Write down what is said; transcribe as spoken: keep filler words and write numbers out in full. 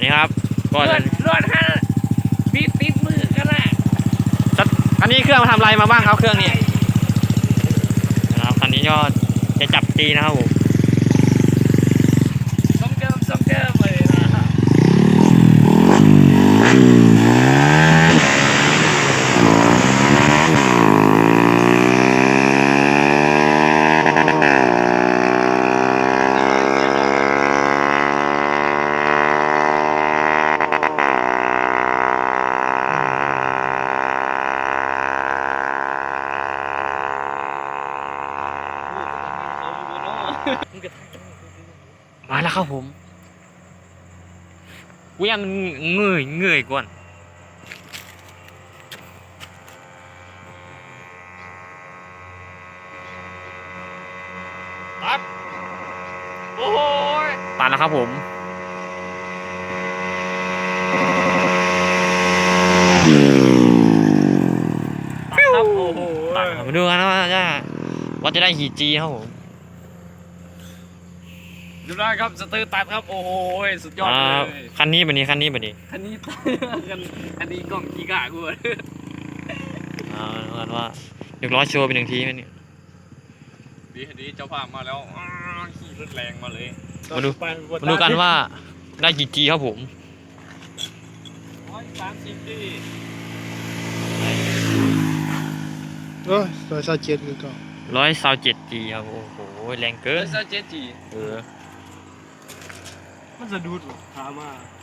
นี่ครับก็จะรถฮะติดติดมือกันนะคันนี้เครื่องมาทำอะไรมาบ้างครับเครื่องนี้นะครับคันนี้ก็จะจับตีนะครับผมสองเดิมสองเดิมเลยนะมาแล้วครับผมกูยังมันเงยเงยก่อนตัดโอ้ยตัดแล้วครับผมตัดครับโอ้โหตัดมาดูกันนะว่าจะว่าจะได้กี่จีครับผมดูได้ครับสเตอร์ตัดครับโอ้โหสุดยอดเลยคันนี้แบบนี้คันนี้แบบนี้คันนี้คันอันนี้กล่องกีกะกูเลยอ่าดูกันว่าเดี๋ยวร้อยโชว์เป็นหนึ่งทีไหมเนี่ยดีดีเจ้าภาพมาแล้วขี่รถแรงมาเลยมาดูมาดูกันว่าได้กี่จีครับผมร้อยสามสิบดีเออร้อยสามเจ็ดคือเก่าร้อยสาวเจ็ดจีครับโอ้โหแรงเกิร้นอยสามเจ็ดจีเออมันจะดูดหรอถามมา